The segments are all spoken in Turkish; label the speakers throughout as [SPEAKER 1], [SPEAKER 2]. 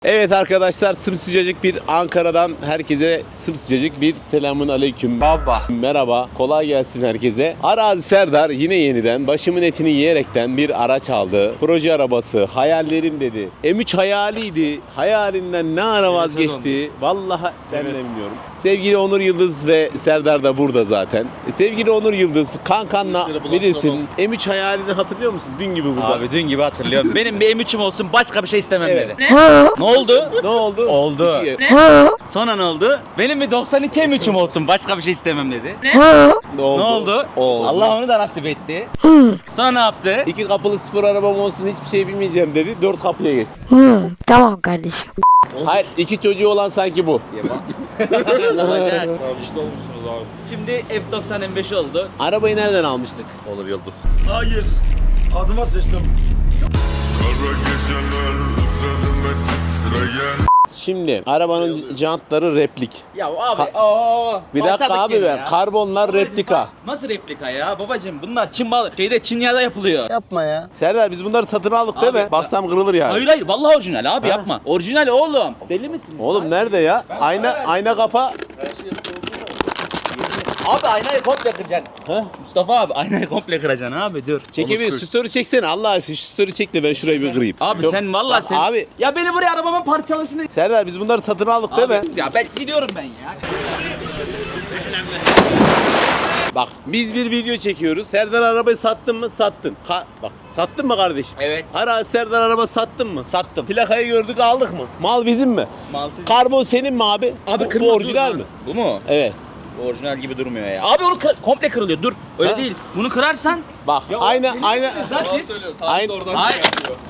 [SPEAKER 1] Evet arkadaşlar, sımsıcacık bir Ankara'dan herkese sımsıcacık bir selamun aleyküm.
[SPEAKER 2] Baba.
[SPEAKER 1] Merhaba, kolay gelsin herkese. Arazi Serdar yine yeniden başımın etini yiyerekten bir araç aldı. Proje arabası, hayallerim dedi. M3 hayaliydi. Hayalinden ne ara vazgeçti? Vallahi ben de bilmiyorum. Sevgili Onur Yıldız ve Serdar da burada zaten. Sevgili Onur Yıldız, kankanla bilirsin. M3 hayalini hatırlıyor musun? Dün gibi burada.
[SPEAKER 2] Abi dün gibi hatırlıyorum. Benim bir M3'üm olsun, başka bir şey istemem
[SPEAKER 1] Evet.
[SPEAKER 2] dedi. Ne oldu?
[SPEAKER 1] Ne oldu?
[SPEAKER 2] Oldu.
[SPEAKER 1] İki-
[SPEAKER 2] Sonra ne oldu? Benim bir 92 M3'üm olsun, başka bir şey istemem dedi.
[SPEAKER 1] Ne oldu?
[SPEAKER 2] Ne oldu?
[SPEAKER 1] Oldu.
[SPEAKER 2] Allah onu da nasip etti. Sonra ne yaptı?
[SPEAKER 1] 2 kapılı spor arabam olsun, hiçbir şey bilmeyeceğim dedi. 4 kapıya geçti.
[SPEAKER 3] Tamam kardeşim.
[SPEAKER 1] Hayır, 2 çocuğu olan sanki bu.
[SPEAKER 2] Olacak.
[SPEAKER 4] Abi işte olmuşsunuz abi.
[SPEAKER 2] Şimdi F90 M5 oldu.
[SPEAKER 1] Arabayı nereden almıştık?
[SPEAKER 4] Olur Yıldız. Hayır. Adıma sıçtım.
[SPEAKER 5] Kara geceler üzerime titreyen
[SPEAKER 1] Şimdi arabanın jantları replik.
[SPEAKER 2] Ya abi
[SPEAKER 1] Bir dakika
[SPEAKER 2] başladık
[SPEAKER 1] abi
[SPEAKER 2] yine
[SPEAKER 1] ben.
[SPEAKER 2] ya.
[SPEAKER 1] Karbonlar
[SPEAKER 2] Babacım,
[SPEAKER 1] replika.
[SPEAKER 2] bak, nasıl replika ya babacım? Bunlar Çin malı. Çin yağda yapılıyor.
[SPEAKER 1] Serdar, biz bunları satın aldık değil
[SPEAKER 2] Abi,
[SPEAKER 1] mi? Bassam kırılır yani.
[SPEAKER 2] Hayır hayır vallahi orijinal abi yapma. Orijinal oğlum. Deli misin?
[SPEAKER 1] Oğlum nerede ya? Ayna kafa.
[SPEAKER 2] Abi aynayı komple kıracaksın. Mustafa abi aynayı komple kıracaksın abi dur.
[SPEAKER 1] Çekebilir. Şu story çeksene Allah aşkına. Şu story çek de ben şurayı bir kırayım.
[SPEAKER 2] Abi
[SPEAKER 1] Çok-
[SPEAKER 2] sen vallahi
[SPEAKER 1] Bak
[SPEAKER 2] sen.
[SPEAKER 1] Abi
[SPEAKER 2] Ya beni buraya arabamın parçalasını.
[SPEAKER 1] Serdar, biz bunları satın aldık değil mi?
[SPEAKER 2] Ya ben gidiyorum ben ya.
[SPEAKER 1] Bak biz bir video çekiyoruz. Serdar arabayı sattın mı? Sattın. Bak sattın mı kardeşim?
[SPEAKER 2] Evet.
[SPEAKER 1] Serdar araba sattın mı? Sattım. Plakayı gördük, aldık mı? Mal bizim mi?
[SPEAKER 2] Mal sizin.
[SPEAKER 1] Karbon senin mi abi?
[SPEAKER 2] Abi
[SPEAKER 1] bu
[SPEAKER 2] kırmızı
[SPEAKER 1] orijinal
[SPEAKER 2] dur.
[SPEAKER 1] mi?
[SPEAKER 2] Bu mu?
[SPEAKER 1] Evet.
[SPEAKER 2] Bu orijinal gibi durmuyor ya. Abi onu komple kırılıyor. Dur. Öyle
[SPEAKER 1] Ha?
[SPEAKER 2] değil. Bunu kırarsan.
[SPEAKER 1] Bak
[SPEAKER 2] Ya
[SPEAKER 1] aynı.
[SPEAKER 2] Nasıl?
[SPEAKER 1] Aynı.
[SPEAKER 2] Hayır.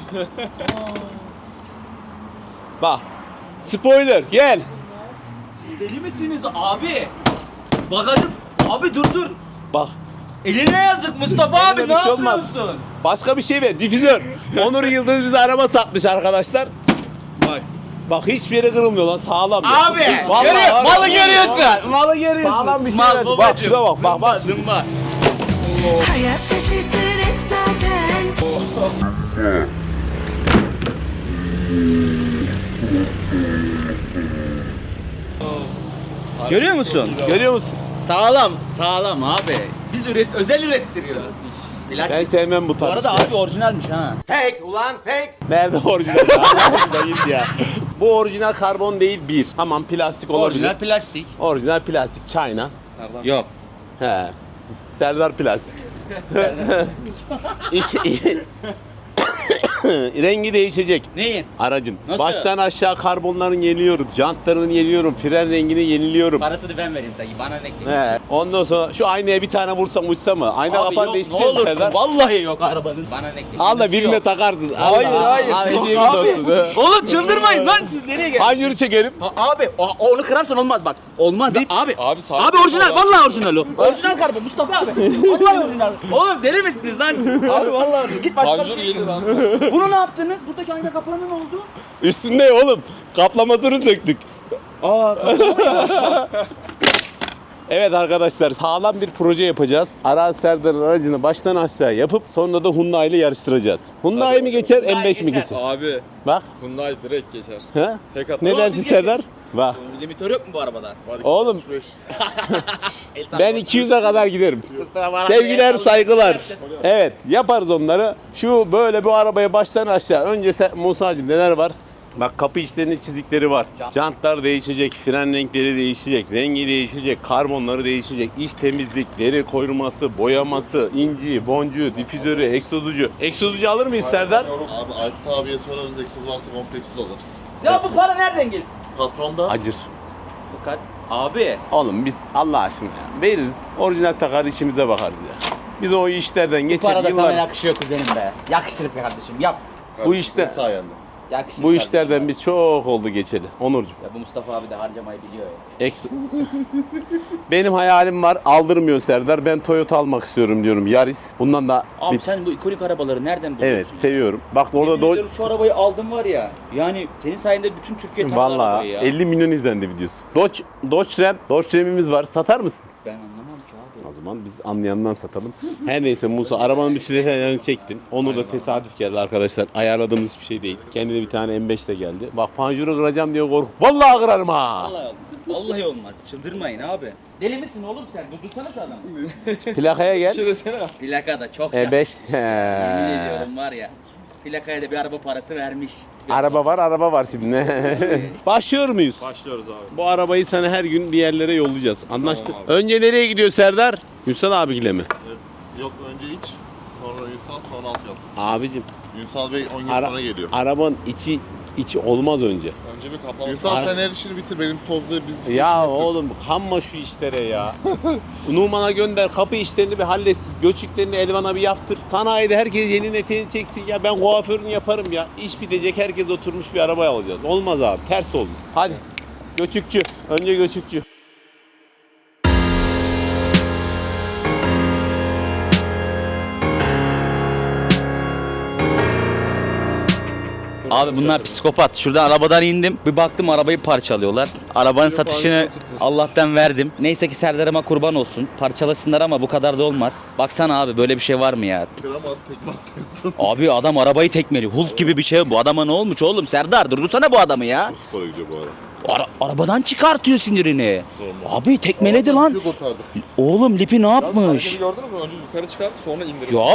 [SPEAKER 1] Bak. Spoiler gel.
[SPEAKER 2] Siz deli misiniz abi? Bagajım. Abi dur.
[SPEAKER 1] Bak.
[SPEAKER 2] Eline yazık Mustafa abi,
[SPEAKER 1] Eline
[SPEAKER 2] ne
[SPEAKER 1] bir şey olmaz.
[SPEAKER 2] yapıyorsun?
[SPEAKER 1] Başka bir şey ver. Difüzör. Onur Yıldız bize araba satmış arkadaşlar.
[SPEAKER 2] Bak.
[SPEAKER 1] Bak hiçbir yere kırılmıyor lan, sağlam. ya.
[SPEAKER 2] Abi
[SPEAKER 1] Vallahi
[SPEAKER 2] görüyor,
[SPEAKER 1] var.
[SPEAKER 2] malı görüyorsun. Malı görüyorsun.
[SPEAKER 1] Sağlam bir şey
[SPEAKER 2] Mal
[SPEAKER 1] versin. Bak
[SPEAKER 2] babacım.
[SPEAKER 1] şuna bak.
[SPEAKER 2] Zımba.
[SPEAKER 3] Hayat şaşırtır hep zaten.
[SPEAKER 2] Görüyor musun?
[SPEAKER 1] Görüyor musun?
[SPEAKER 2] Sağlam abi. Biz özel ürettiriyoruz. Plastik.
[SPEAKER 1] Ben sevmem bu
[SPEAKER 2] Bu
[SPEAKER 1] tarz
[SPEAKER 2] arada
[SPEAKER 1] şey.
[SPEAKER 2] abi orijinalmiş ha.
[SPEAKER 1] Nerede orijinal? Hoşuna git ya. Bu orijinal karbon değil bir. Tamam, plastik olabilir.
[SPEAKER 2] Orijinal plastik.
[SPEAKER 1] Orijinal plastik. China.
[SPEAKER 2] Yok.
[SPEAKER 1] He. Serdar plastik. Rengi değişecek.
[SPEAKER 2] Neyin?
[SPEAKER 1] Aracın.
[SPEAKER 2] Nasıl?
[SPEAKER 1] Baştan aşağı karbonlarını yeniliyorum. Jantlarını yeniliyorum. Fren rengini yeniliyorum.
[SPEAKER 2] Parasını ben vereyim sanki. Bana ne ki?
[SPEAKER 1] He. Ondan sonra şu aynaya bir tane vursam uçsa mı? Ayna
[SPEAKER 2] Abi
[SPEAKER 1] kapan
[SPEAKER 2] yok, ne
[SPEAKER 1] değiştirelim
[SPEAKER 2] olursun.
[SPEAKER 1] Serdar.
[SPEAKER 2] Vallahi yok arabanın. Bana ne ki?
[SPEAKER 1] Al da birine
[SPEAKER 2] Yok.
[SPEAKER 1] takarsın.
[SPEAKER 2] Hayır hayır.
[SPEAKER 1] Al, hediye
[SPEAKER 2] Yok abi.
[SPEAKER 1] olsun. He.
[SPEAKER 2] Oğlum çıldırmayın lan, siz nereye geldiniz?
[SPEAKER 1] Hanyuru çekelim.
[SPEAKER 2] Abi onu kırarsan olmaz bak. Olmaz abi.
[SPEAKER 4] Abi sağ
[SPEAKER 2] Abi orijinal, vallahi orijinal o. Orijinal karbon Mustafa abi. Vallahi orijinal. Oğlum deli misiniz lan? Abi vallahi orijinal. Git başka bir
[SPEAKER 4] Panjur
[SPEAKER 2] şey.
[SPEAKER 4] gelir lan.
[SPEAKER 2] Bunu ne yaptınız? Buradaki ayna kapağına ne oldu?
[SPEAKER 1] Üstünde oğlum. Kaplamasını söktük.
[SPEAKER 2] Aa,
[SPEAKER 1] Evet arkadaşlar, sağlam bir proje yapacağız. Arazi Serdar'ın aracını baştan aşağı yapıp sonra da Hyundai ile yarıştıracağız. Hyundai mi geçer, M5 mi geçer?
[SPEAKER 4] Abi
[SPEAKER 1] Bak.
[SPEAKER 4] Hyundai direkt geçer.
[SPEAKER 1] He?
[SPEAKER 4] Tek at.
[SPEAKER 1] Ne dersin Serdar? Bak.
[SPEAKER 2] limitör yok mu bu arabada?
[SPEAKER 1] Oğlum
[SPEAKER 4] 5.
[SPEAKER 1] ben 200'e kadar giderim.
[SPEAKER 2] Mustafa bana
[SPEAKER 1] Sevgiler,
[SPEAKER 2] el
[SPEAKER 1] saygılar.
[SPEAKER 2] sallıyor.
[SPEAKER 1] Evet, yaparız onları. Şu böyle bu arabaya baştan aşağı. Önce Musa'cığım neler var? Bak, kapı içlerinde çizikleri var. Jantlar değişecek, fren renkleri değişecek, rengi değişecek, karbonları değişecek, iç temizlik, deri koruması, boyaması, inci, boncuğu, difüzörü, egzozucu. Egzozucu alır mıyız Serdar?
[SPEAKER 4] Abi Aykut abiye sorarız, egzoz varsa kompleksuz alırız.
[SPEAKER 2] Ya bu para nereden geliyor?
[SPEAKER 4] Patronda
[SPEAKER 1] Acır.
[SPEAKER 2] Bu kadar. Abi.
[SPEAKER 1] Oğlum biz Allah aşkına ya, veririz. Orijinal takar, işimize bakarız ya. Biz o işlerden
[SPEAKER 2] Bu
[SPEAKER 1] geçer
[SPEAKER 2] para da sana
[SPEAKER 1] yıllar.
[SPEAKER 2] yakışıyor kuzenim be. Yakışır be kardeşim yap.
[SPEAKER 1] Bu işte
[SPEAKER 4] sayende.
[SPEAKER 2] Yakışır
[SPEAKER 1] bu
[SPEAKER 2] kardeşim.
[SPEAKER 1] işlerden biz çok oldu geçeli. Onurcuğum.
[SPEAKER 2] Ya bu Mustafa abi de harcamayı biliyor ya.
[SPEAKER 1] Benim hayalim var, aldırmıyor Serdar. Ben Toyota almak istiyorum diyorum, Yaris. Bundan da
[SPEAKER 2] Abi sen bu ikonik arabaları nereden buluyorsun?
[SPEAKER 1] evet seviyorum. Bak orada
[SPEAKER 2] Yemin ediyorum şu arabayı aldım var ya. Yani senin sayende bütün Türkiye tanıdı
[SPEAKER 1] vallahi
[SPEAKER 2] arabayı ya.
[SPEAKER 1] 50 milyon izlendi videosu. Dodge Ram, Dodge Ram'imiz var. Satar mısın?
[SPEAKER 2] Ben anlamam ki
[SPEAKER 1] o zaman. Biz anlayandan satalım. Her neyse Musa arabanın bütün detaylarını çektin. Onur da tesadüf geldi arkadaşlar. Ayarladığımız bir şey değil. Kendine bir tane M5 de geldi. Bak panjuru kıracağım diye kork. Vallahi kırarım ha.
[SPEAKER 2] Vallahi olmaz. Vallahi olmaz. Çıldırmayın abi. Deli misin oğlum sen? Durdursana şu adamı.
[SPEAKER 1] Plakaya gel.
[SPEAKER 2] Plaka da çok ya.
[SPEAKER 1] E5.
[SPEAKER 2] Yemin
[SPEAKER 1] He.
[SPEAKER 2] ediyorum var ya. Plakaya da bir araba parası vermiş.
[SPEAKER 1] Araba var şimdi. Başlıyor muyuz?
[SPEAKER 4] Başlıyoruz abi.
[SPEAKER 1] Bu arabayı sana her gün bir yerlere yollayacağız. Anlaştık. Önce nereye gidiyor Serdar? Ünsal abiyle mi?
[SPEAKER 4] Yok önce iç, sonra Ünsal, sonra alt yap.
[SPEAKER 1] Abicim.
[SPEAKER 4] Ünsal Bey 10 gün
[SPEAKER 1] Ara-
[SPEAKER 4] sonra geliyor.
[SPEAKER 1] Arabanın içi olmaz önce.
[SPEAKER 4] Önce bir kaplama. Ünsal sen her işini bitir, benim tozlu biz
[SPEAKER 1] Ya oğlum kanma şu işlere ya. Numan'a gönder kapı işlerini bir halletsin. Göçüklerini Elvan'a bir yaptır. Sanayide herkes yeni eteğini çeksin ya. Ben kuaförünü yaparım ya. İş bitecek herkes oturmuş bir araba alacağız. Olmaz abi ters oldu. Hadi göçükçü. Önce göçükçü.
[SPEAKER 2] Abi bunlar psikopat. Şuradan arabadan indim. Bir baktım arabayı parçalıyorlar. Arabanın satışını Allah'tan verdim. Neyse ki Serdar'ıma kurban olsun. Parçalasınlar ama bu kadar da olmaz. Baksana abi böyle bir şey var mı ya?
[SPEAKER 4] Kıramaz, tekme attın.
[SPEAKER 2] Abi adam arabayı tekmeliyor. Hulk gibi bir şey. Bu adama ne olmuş oğlum? Serdar durdursana bu adamı ya.
[SPEAKER 4] Spora gidiyor bu ara.
[SPEAKER 2] Arabadan çıkartıyor sinirini.
[SPEAKER 4] Sorma.
[SPEAKER 2] Abi tekmeledi lan.
[SPEAKER 4] Bir kurtardı.
[SPEAKER 2] Oğlum Lipi ne yapmış?
[SPEAKER 6] Gördünüz mü? Önce yukarı çıkarttı sonra indirdi.
[SPEAKER 2] Ya.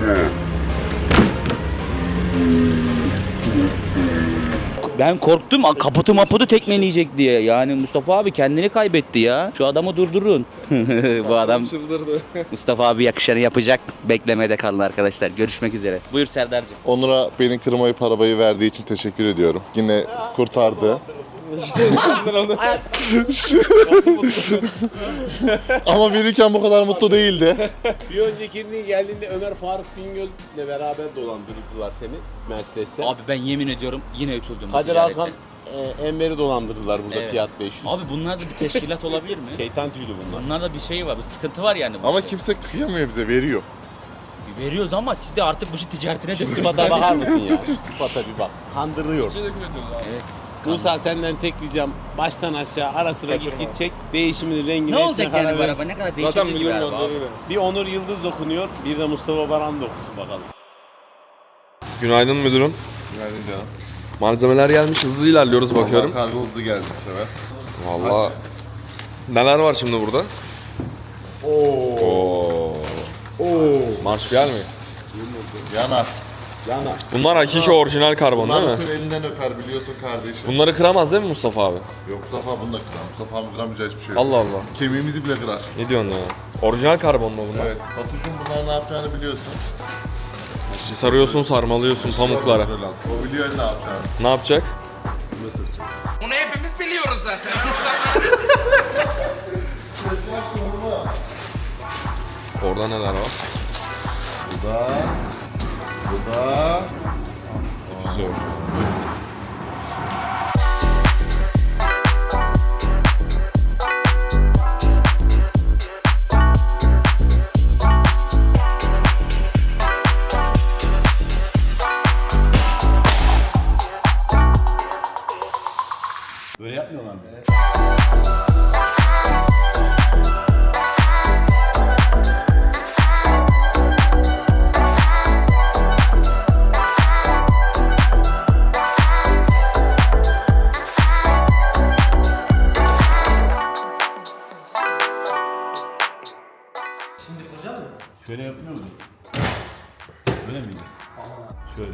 [SPEAKER 2] Ben korktum kaputu maputu tekmeleyecek diye. Yani Mustafa abi kendini kaybetti ya. Şu adamı durdurun. Bu adam
[SPEAKER 6] Çıldırdı.
[SPEAKER 2] Mustafa abi yakışanı yapacak. Beklemede kalın arkadaşlar. Görüşmek üzere. Buyur Serdar'cığım.
[SPEAKER 4] Onur'a beni kırmayıp arabayı verdiği için teşekkür ediyorum. Yine kurtardı. Ama verirken bu kadar mutlu değildi.
[SPEAKER 1] Bir öncekinin geldiğinde Ömer Faruk Bingöl'le beraber dolandırdılar seni Mercedes'te.
[SPEAKER 2] Abi ben yemin ediyorum yine ütüldüm. bu
[SPEAKER 1] Kadir
[SPEAKER 2] ticarette.
[SPEAKER 1] Hakan Enver'i dolandırdılar burada
[SPEAKER 2] Evet.
[SPEAKER 1] fiyat 500.
[SPEAKER 2] Abi bunlar da bir teşkilat olabilir mi?
[SPEAKER 1] Şeytan tüylü bunlar.
[SPEAKER 2] Bunlarda bir şey var, bir sıkıntı var yani.
[SPEAKER 4] Ama kimse kıyamıyor bize, veriyor.
[SPEAKER 2] Veriyoruz ama siz de artık bu işi ticaretine de
[SPEAKER 1] Sıfata bakar mısın ya? Şu sıfata bir bak. Kandırıyor.
[SPEAKER 6] Şey dökülüyoruz abi.
[SPEAKER 2] Evet.
[SPEAKER 1] Musa senden tek ricam baştan aşağı ara sıra git çek. Değişiminin rengini
[SPEAKER 2] Ne olacak
[SPEAKER 1] karar
[SPEAKER 2] yani bu
[SPEAKER 1] verirsin.
[SPEAKER 2] araba? Ne kadar
[SPEAKER 6] Zaten
[SPEAKER 2] değişebilir ki
[SPEAKER 6] müdür
[SPEAKER 2] bu araba abi?
[SPEAKER 6] gönderir.
[SPEAKER 1] Bir Onur Yıldız dokunuyor, bir de Mustafa Baran dokusun bakalım.
[SPEAKER 6] Günaydın müdürüm.
[SPEAKER 4] Günaydın canım.
[SPEAKER 6] Malzemeler gelmiş. Hızlı ilerliyoruz bakıyorum.
[SPEAKER 4] Kargo hızlı geldi bu sefer.
[SPEAKER 6] Vallahi. Neler var şimdi burada? Oo. Marş bir yer mi?
[SPEAKER 4] Yanar.
[SPEAKER 1] Yana.
[SPEAKER 6] Bunlar hakiki orijinal karbon değil
[SPEAKER 4] Bunlar
[SPEAKER 6] mi?
[SPEAKER 4] senin elinden öper biliyorsun kardeşim.
[SPEAKER 6] Bunları kıramaz değil mi Mustafa abi?
[SPEAKER 4] Yok Mustafa bunu da kırar. Mustafa mı kıramayacağı hiçbir şey yok.
[SPEAKER 6] Allah Allah.
[SPEAKER 4] Kemiğimizi bile kırar.
[SPEAKER 6] Ne diyorsun ya? Orijinal karbon mu bunlar?
[SPEAKER 4] Evet. Batucuğum bunlar ne yapacağını biliyorsun.
[SPEAKER 6] Sarıyorsun, sarmalıyorsun pamuklara.
[SPEAKER 4] O biliyor ne yapacağını.
[SPEAKER 6] Ne yapacak?
[SPEAKER 7] Bunu hepimiz biliyoruz zaten.
[SPEAKER 6] Orada neler var?
[SPEAKER 4] Bu da...
[SPEAKER 6] Zor.
[SPEAKER 1] Böyle yapmıyorlar mı? Şöyle yapmıyor mu? Böyle miydi? Şöyle.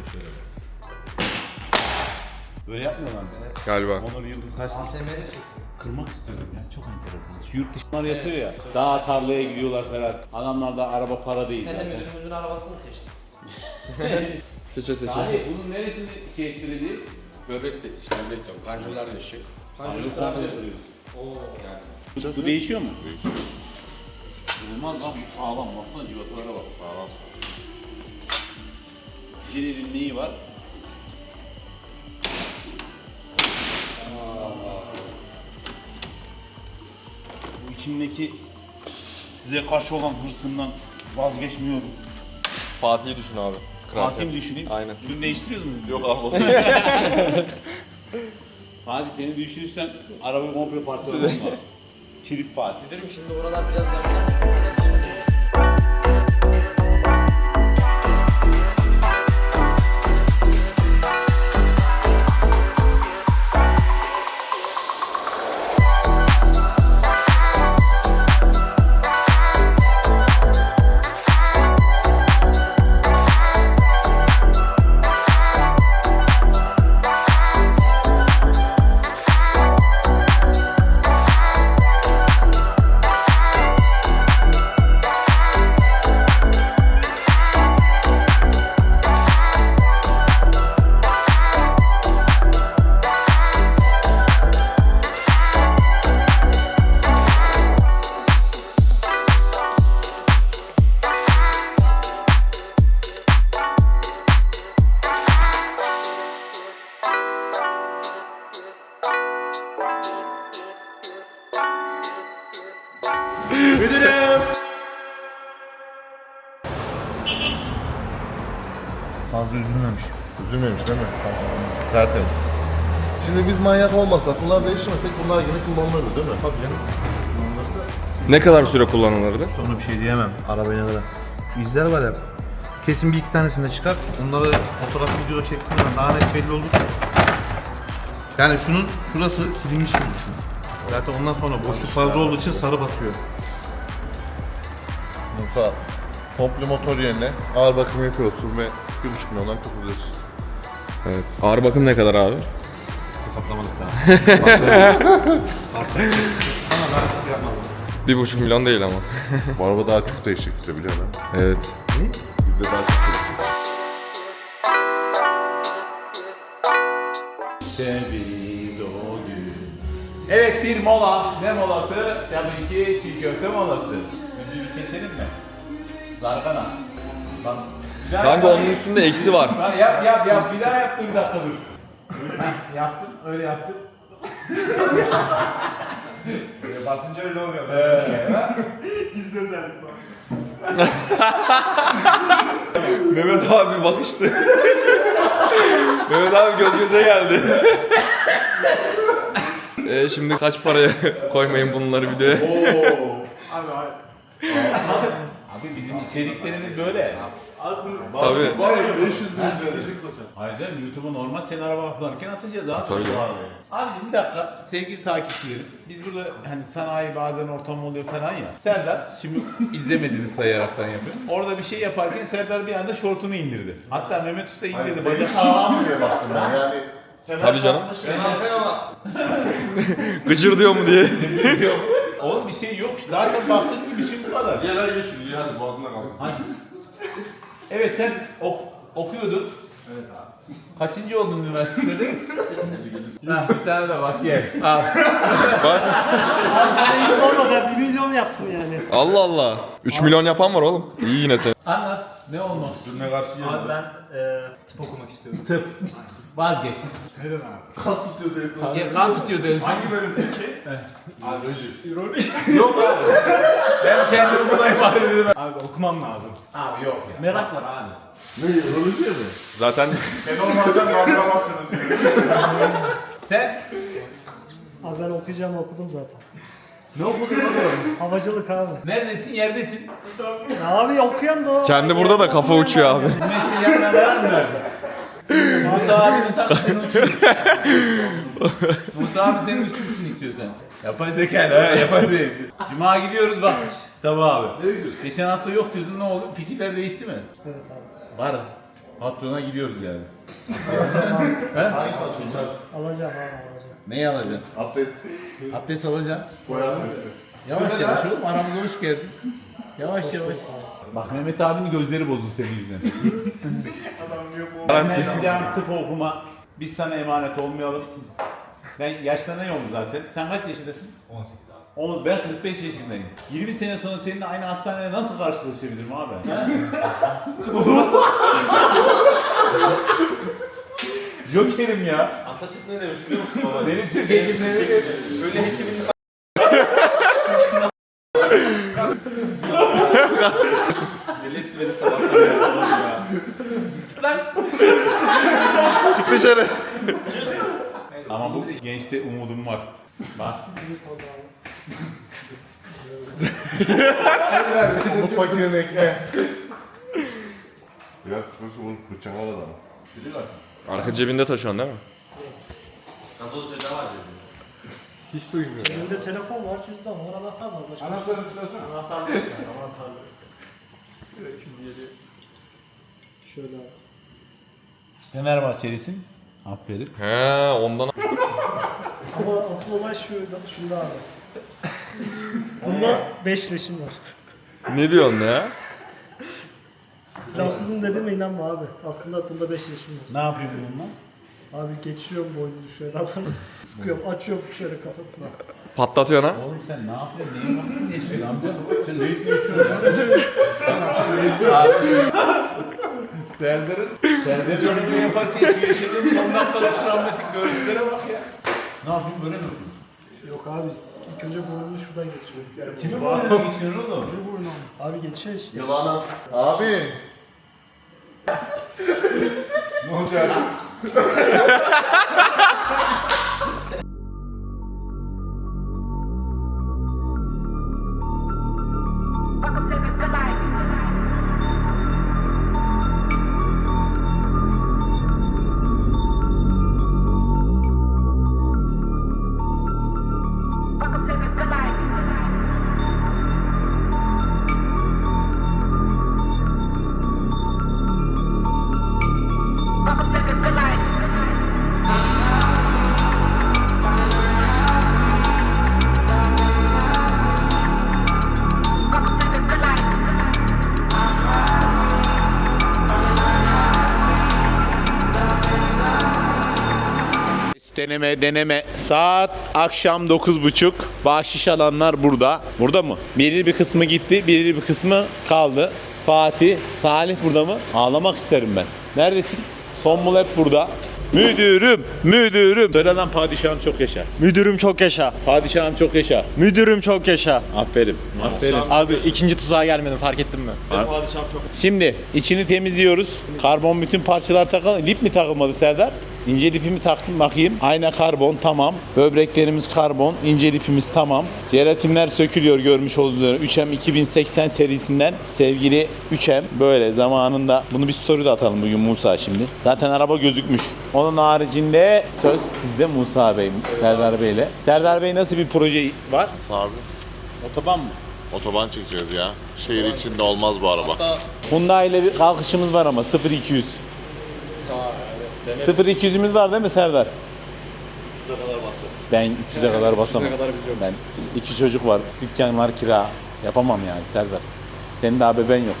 [SPEAKER 1] Böyle yapmıyorlar mı?
[SPEAKER 6] Galiba.
[SPEAKER 1] Onur Yıldız kaç kırmak istiyorum ya. Çok enteresan. Şu yurt dışından yapıyor ya. Daha tarlaya gidiyorlar falan. Adamlarda araba para değil zaten.
[SPEAKER 8] Müdürümüzün arabasını mı seçtin?
[SPEAKER 6] Seçe.
[SPEAKER 1] Hayır, bunun neresini şey ettireceğiz?
[SPEAKER 8] Böbrek de, böbrek yok. Panjurlar değişecek.
[SPEAKER 1] Panjuru kontrol ediyoruz. Bu değişiyor mu? Değişiyor. Olmaz lan bu sağlam. Baksana civatalara bak. Sağlam. Birinin neyi var? Bu içimdeki size karşı olan hırsımdan vazgeçmiyorum.
[SPEAKER 6] Fatih'i düşün abi.
[SPEAKER 1] Fatih'imi düşüneyim.
[SPEAKER 6] Aynen.
[SPEAKER 1] Şunu değiştiriyoruz mu?
[SPEAKER 6] Yok abi.
[SPEAKER 1] Fatih seni düşürürsem arabayı komple parçalamam lazım. Trip Fatih.
[SPEAKER 8] Müdürüm şimdi buralar biraz yanıyor. Müdürüm.
[SPEAKER 9] Fazla üzülmemiş.
[SPEAKER 4] Üzülmemiş değil mi? Tertemiz. Şimdi biz manyak olmasak, bunlar değişmesek bunlar yine kullanılırdı değil mi?
[SPEAKER 9] Tabii canım.
[SPEAKER 6] Ne kadar süre kullanılırdı?
[SPEAKER 9] Sonra bir şey diyemem. Arabaya kadar. Şu izler var ya. Kesin bir iki tanesini de çıkar. Onları fotoğraf videoda çektiğinden daha net belli olur. Yani şunun şurası silinmiş gibi düşün. Zaten ondan sonra boşluk fazla olduğu için sarı batıyor.
[SPEAKER 4] Musa, komple motor yerine ağır bakım yapıyorsun ve 1,5 milyondan kurtuluyorsun.
[SPEAKER 6] Evet. Ağır bakım ne kadar abi?
[SPEAKER 9] Hesaplamadık daha. Ama ben çok yapmadım.
[SPEAKER 6] 1,5 milyon değil ama.
[SPEAKER 4] Bu araba daha çok değişecek bize biliyor musun?
[SPEAKER 6] Evet.
[SPEAKER 4] Bizde daha çok değişecek.
[SPEAKER 1] Ceviz o gün. Evet bir mola. Ne molası? Tabii ki çiğ köfte molası. Müziği bir keselim mi? Zargana. Bak. bir daha
[SPEAKER 6] Kanka
[SPEAKER 1] yap.
[SPEAKER 6] onun üstünde eksi var.
[SPEAKER 1] Bak, yap. Bir daha yap dur bir dakika dur. Heh, yaptın. Öyle yaptın. Böyle basınca öyle oluyor.
[SPEAKER 6] Mehmet abi bakıştı. Mehmet abi göz göze geldi. Şimdi kaç paraya koymayın bunları videoya?
[SPEAKER 1] Abi bizim içeriklerimiz böyle.
[SPEAKER 6] Tabii.
[SPEAKER 4] Var ya 500 bin üzerinde.
[SPEAKER 1] Hayır canım YouTube'a normal sen araba kullanırken atacağız abi.
[SPEAKER 6] Tabii.
[SPEAKER 1] Abi bir dakika sevgili takipçilerim. Biz burada hani sanayi bazen ortam oluyor falan ya. Serdar şimdi izlemediğiniz sayaraktan yapıyor. Orada bir şey yaparken Serdar bir anda şortunu indirdi. Hatta Mehmet Usta indirdi.
[SPEAKER 4] Beni
[SPEAKER 1] Bacak
[SPEAKER 4] sağlam mı diye baktım ben yani.
[SPEAKER 6] Tabii canım. Gıcır diyor mu diye.
[SPEAKER 1] Oğlum bir şey yok. Zaten bahsettiğim bir şey bu kadar.
[SPEAKER 8] Gel hadi şu hadi boğazında kal.
[SPEAKER 1] Evet sen okuyordun. Evet abi. Kaçıncı oldun üniversitede? Ha, bir tane de bak gel. Al.
[SPEAKER 10] Sorma ben 1 milyon yaptım yani.
[SPEAKER 6] Allah Allah. 3 milyon yapan var oğlum. İyi yine sen.
[SPEAKER 1] Anlat. Ne olmak istiyorsun? Ne karşı
[SPEAKER 10] Abi ben tıp okumak istiyorum.
[SPEAKER 1] Tıp. Vazgeç.
[SPEAKER 10] Neden abi?
[SPEAKER 4] Kan tutuyor diye sonra.
[SPEAKER 1] Kan tutuyor dedin.
[SPEAKER 4] Hangi bölüm peki?
[SPEAKER 8] Biyoloji.
[SPEAKER 1] Yok abi. Ben kendimi buna ifade edelim.
[SPEAKER 10] Abi okumam lazım.
[SPEAKER 1] Abi yok ya.
[SPEAKER 10] Merak var abi.
[SPEAKER 4] Ne üroloji mi?
[SPEAKER 6] Zaten
[SPEAKER 4] Ben olmazdan kaldıramazsınız diyor.
[SPEAKER 1] Sen
[SPEAKER 10] Abi ben okudum zaten.
[SPEAKER 1] ne okudun oğlum?
[SPEAKER 10] Havacılık abi.
[SPEAKER 1] Neredesin? Yerdesin.
[SPEAKER 10] Ya abi okuyan da o.
[SPEAKER 6] kendi burada da kafa uçuyor abi.
[SPEAKER 1] Mesleği yanına veren mi verdin? Musa abinin tak seni uçursun. Musa abi senin uçursun istiyorsan. Yapay zekayla ha yapay zeka. Cuma gidiyoruz bak. Tabii abi. Nereye gidiyorsun? Geçen hafta yok diyordun ne oldu? Fikirler değişti mi?
[SPEAKER 10] Evet abi.
[SPEAKER 1] Var. Patrona gidiyoruz yani.
[SPEAKER 10] Alacağım abi alacağım.
[SPEAKER 1] Neyi alacaksın?
[SPEAKER 4] Abdest.
[SPEAKER 1] Abdest alacaksın.
[SPEAKER 4] Boy abdesti.
[SPEAKER 1] Yavaş yavaş oğlum aramıza hoş geldin. Yavaş yavaş. Bak Mehmet abinin gözleri bozuldu senin yüzünden. Ben gideceğim tıp okuma. Biz sana emanet olmayalım. Ben yaşlanıyorum zaten. Sen kaç yaşındasın? 18 abi. Ben 45 yaşındayım. 20 sene sonra seninle aynı hastanede nasıl karşılaşabilirim abi? Joker'im ya.
[SPEAKER 8] Atatürk ne demiş biliyor musun baba?
[SPEAKER 1] Benim Türk hekimleri
[SPEAKER 8] Öyle hekimin Milletti beni sabahtan ya.
[SPEAKER 6] Çık dışarı.
[SPEAKER 1] ama bu gençte umudum var. Bak.
[SPEAKER 4] Bu fakirin ekmeği. Ya şurası bunu bıçak al adamı.
[SPEAKER 6] Arka cebinde taşıyorsun değil mi?
[SPEAKER 8] Gazoz ceza var diyor.
[SPEAKER 10] Elimde telefon var, cüzdan var, anahtar var. Başka
[SPEAKER 4] Anahtarını çıkarsana.
[SPEAKER 10] anahtar var. Anahtar var. Evet şimdi geliyor. Şöyle abi.
[SPEAKER 1] Fenerbahçelisin. Aferin.
[SPEAKER 6] He ondan.
[SPEAKER 10] Ama asıl olay şunda abi. Bunda 5 leşim var.
[SPEAKER 6] Ne diyorsun ya?
[SPEAKER 10] Silahsızım dedim inanma abi. Aslında bunda 5 leşim var.
[SPEAKER 1] Ne yapayım bununla?
[SPEAKER 10] Abi geçiyorum boynunu şöyle adamı sıkıyorum, açıyorum şöyle kafasına.
[SPEAKER 6] Patlatıyorsun ha?
[SPEAKER 1] Oğlum sen ne yapıyorsun? Neyin bakısın diye yaşıyorsun amca? Sen ne içiyorsun ya? Abi. Serdar çocukluğu yaparken şu yaşadığım son dakikalık travmatik görüntülere bak ya. Ne yapayım böyle mi yapayım?
[SPEAKER 10] Yok abi. İlk önce burnunu şuradan geçiyor.
[SPEAKER 9] Kimin boynuna geçiyor oğlum?
[SPEAKER 10] Bir burnu. Abi geçiyor işte.
[SPEAKER 4] Yılana. Abi.
[SPEAKER 9] Ne olacak?
[SPEAKER 1] Deneme. Saat akşam 9.30. Bahşiş alanlar burada. Burada mı? Belirli bir kısmı gitti, belirli bir kısmı kaldı. Fatih, Salih burada mı? Ağlamak isterim ben. Neredesin? Tombul hep burada. Müdürüm. Söyle lan padişahım çok yaşa.
[SPEAKER 11] Müdürüm çok yaşa.
[SPEAKER 1] Padişahım çok yaşa.
[SPEAKER 11] Müdürüm çok yaşa.
[SPEAKER 1] Aferin.
[SPEAKER 11] Abi ikinci tuzağa gelmedim fark ettin mi?
[SPEAKER 1] Şimdi içini temizliyoruz. Karbon bütün parçalar takıldı. Lip mi takılmadı Serdar? İnce lipimi taktım bakayım. Ayna karbon tamam. Böbreklerimiz karbon. İnce lipimiz tamam. Jelatinler sökülüyor görmüş olduğunuz üzere. 3M 2080 serisinden sevgili 3M. Böyle zamanında. Bunu bir story'de atalım bugün Musa şimdi. Zaten araba gözükmüş. Onun haricinde söz sizde Musa Bey, Serdar Bey'le. Serdar Bey nasıl bir proje var?
[SPEAKER 4] Abi.
[SPEAKER 1] Otoban mı?
[SPEAKER 4] Otoban çekeceğiz ya. Şehir içinde olmaz bu araba.
[SPEAKER 1] Hyundai ile bir kalkışımız var ama 0200. 0200'ümüz var değil mi Serdar?
[SPEAKER 4] 300'e kadar basacağız.
[SPEAKER 1] Ben 300'e kadar basamam. Ben 2 çocuk var, dükkan var, kira. Yapamam yani Serdar. Senin daha bebeğin yok.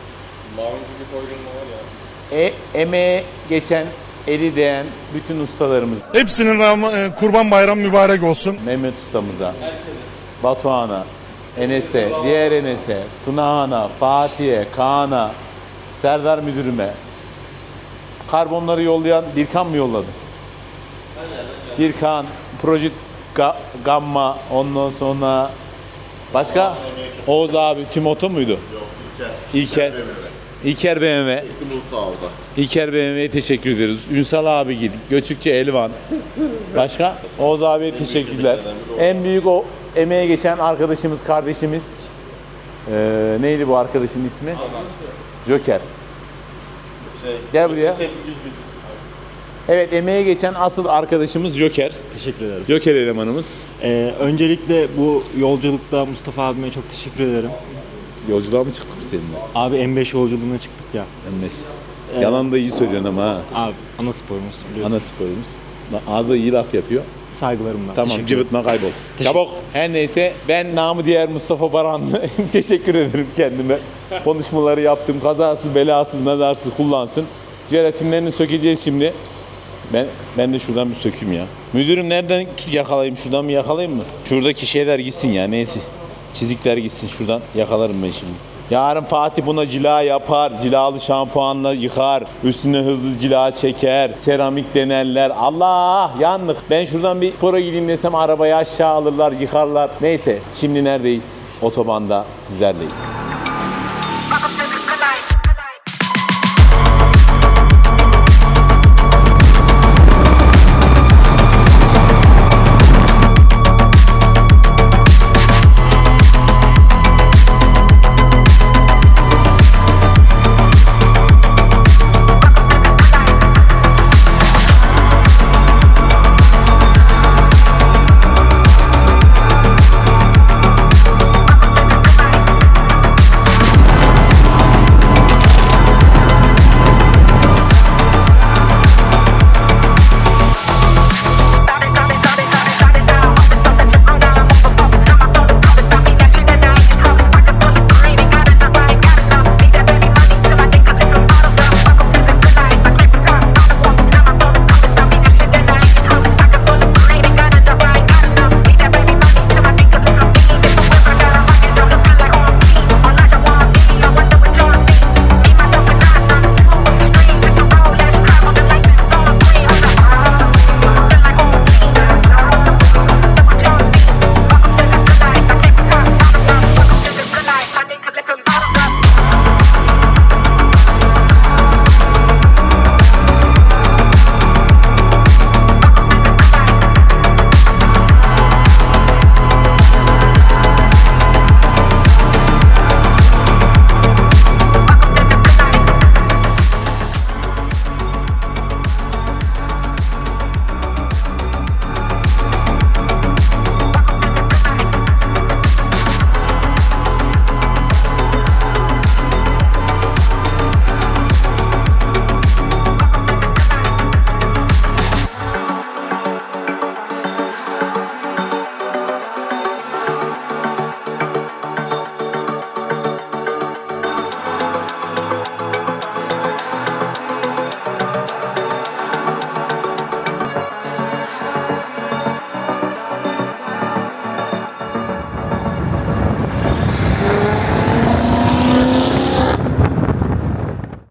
[SPEAKER 1] Emeğe geçen, eli değen bütün ustalarımız.
[SPEAKER 10] Hepsinin kurban bayramı mübarek olsun.
[SPEAKER 1] Mehmet ustamıza, Batuhan'a, Enes'e, diğer Enes'e, Tunahan'a, Fatih'e, Kaan'a, Serdar müdürüme. Karbonları yollayan Birkan mı yolladı? Birkan, Project Gamma, ondan sonra başka? Oğuz abi, Timoto muydu?
[SPEAKER 4] Yok,
[SPEAKER 1] İlker. İlker BMW.
[SPEAKER 4] Musa orada.
[SPEAKER 1] İlker BMW'ye teşekkür ederiz. Ünsal abi gidip, Göçükçe Elvan. Başka? Oğuz abiye teşekkürler. En büyük o emeğe geçen arkadaşımız, kardeşimiz. Neydi bu arkadaşın ismi? Joker. Gel buraya. Evet, emeğe geçen asıl arkadaşımız Joker.
[SPEAKER 11] Teşekkür ederim.
[SPEAKER 1] Joker elemanımız.
[SPEAKER 11] Öncelikle bu yolculukta Mustafa abime çok teşekkür ederim.
[SPEAKER 1] Yolculuğa mı çıktık biz seninle?
[SPEAKER 11] Abi M5 yolculuğuna çıktık ya.
[SPEAKER 1] M5. Yalan da iyi söylüyorsun ama ha.
[SPEAKER 11] Abi ana sporumuz biliyorsun.
[SPEAKER 1] Ana sporumuz. Ağzı iyi laf yapıyor.
[SPEAKER 11] Saygılarımla.
[SPEAKER 1] Tamam, cıvıtma, kaybol. Çabuk. Her neyse, ben namı diğer Mustafa Baranlı teşekkür ederim kendime. Konuşmaları yaptım. Kazasız, belasız, nazarsız kullansın. Jelatinlerini sökeceğiz şimdi. Ben de şuradan bir sökeyim ya. Müdürüm nereden yakalayayım? Şuradan mı yakalayayım mı? Şuradaki şeyler gitsin ya, neyse. Çizikler gitsin, şuradan yakalarım ben şimdi. Yarın Fatih buna cila yapar, cilalı şampuanla yıkar, üstüne hızlı cila çeker, seramik denerler. Allah, yandık. Ben şuradan bir pora gideyim desem arabayı aşağı alırlar, yıkarlar. Neyse, şimdi neredeyiz? Otobanda sizlerleyiz.